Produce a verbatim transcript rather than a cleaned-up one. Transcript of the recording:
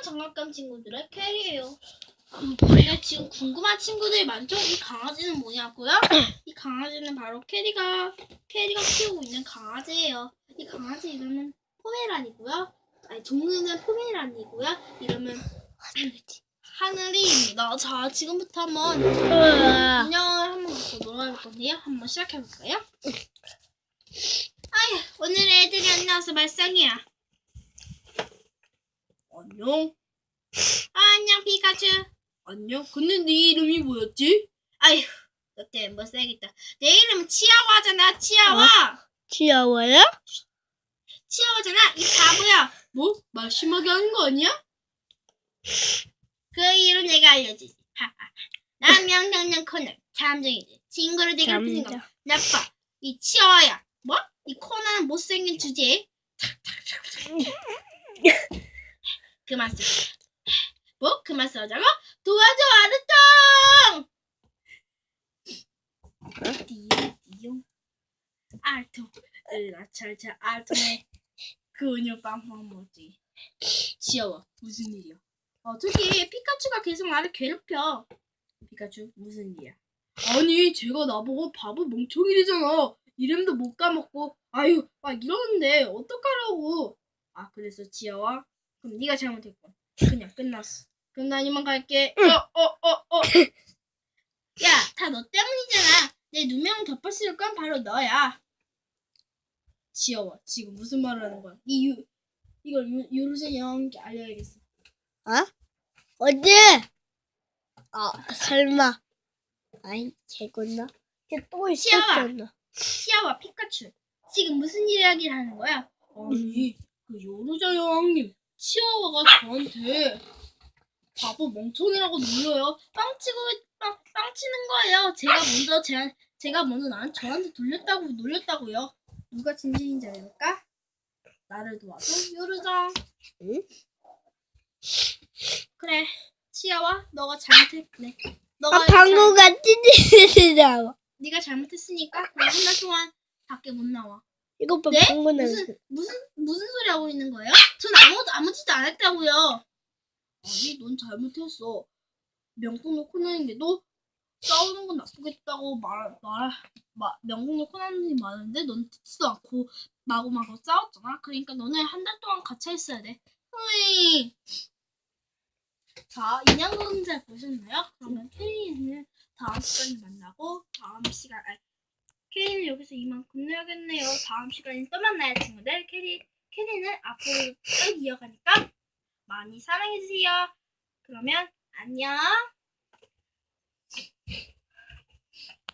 장난감 친구들의 캐리예요. 근데 지금 궁금한 친구들이 많죠? 이 강아지는 뭐냐고요? 이 강아지는 바로 캐리가 캐리가 키우고 있는 강아지예요. 이 강아지 이름은 포메란이고요. 아니 종류는 포메란이고요. 이름은 하늘이입니다. 자, 지금부터 한번 인형을 한번 갖고 놀아볼 건데요. 한번 시작해 볼까요? 아휴, 오늘의 애들이 안 나와서 말썽이야. 안녕. 아, 안녕 피카츄. 안녕. 근데 네 이름이 뭐였지? 아휴, 너 때문에 못 살겠다. 내 이름은 치아와잖아. 치아와. 어? 치아와야? 치아와잖아. 이 바보야. 뭐? 말 심하게 하는 거 아니야? 그 이름 내가 알려주지. 난 명령령 코너. 탐정이지. 친구를 괴롭히는 거 나빠. 이 치아와야. 뭐? 이 코너는 못생긴 주제에. 그만 써. 뭐? 그만 써자고? 도와줘, 아르통! 띠용, 띠용. 알통. 으라차차, 알통의 그녀 빵빵 뭐지? 지여워. 무슨 일이야? 어, 저기 피카츄가 계속 나를 괴롭혀. 피카츄, 무슨 일이야? 아니, 제가 나보고 바보 멍청이래잖아. 이름도 못 까먹고. 아유, 막 이러는데 어떡하라고. 아, 그래서 지여워? 그럼 네가 잘못했고. 그냥 끝났어. 그럼 난 이만 갈게. 어, 어, 어, 어. 야, 다 너 때문이잖아. 내 누명 덮어씌울 건 바로 너야. 지여워. 지금 무슨 말을 하는 거야? 이 유, 이걸 유, 유루제 영웅께 알려야겠어. 어? 어디? 아, 설마. 아이, 개구나. 또 있었잖아. 치아와 피카츄. 지금 무슨 이야기를 하는 거야? 아니, 그 요루자 여왕님, 치아와가 저한테 바보 멍청이라고 놀려요. 빵치고 빵, 빵치는 거예요. 제가 먼저 제, 제가 먼저 난 저한테 돌렸다고 놀렸다고요. 누가 진실인지 알까? 나를 도와줘, 요루정. 응? 그래, 치아와, 너가 잘못했네. 너가 아, 방금 같은 짓이라고. 네가 잘못했으니까 한 달 동안 밖에 못 나와. 이거 봐, 네? 방금 무슨 무슨 무슨 소리 하고 있는 거예요? 전 아무 아무 짓도 안 했다고요. 아니, 넌 잘못했어. 명품 놓고 나는데도 싸우는 건 나쁘겠다고 말 말 말 명품 놓고 나는 일이 많은데 넌 듣지도 않고 마구마구 싸웠잖아. 그러니까 너는 한 달 동안 갇혀 있어야 돼. 으이. 자, 인형공잘 보셨나요? 그러면 캐리는 다음 시간에 만나고 다음 시간 아니, 캐리는 여기서 이만 끝내야겠네요. 다음 시간에 또 만나요, 친구들. 캐리 캐리는 앞으로 쭉 이어가니까 많이 사랑해주세요. 그러면 안녕.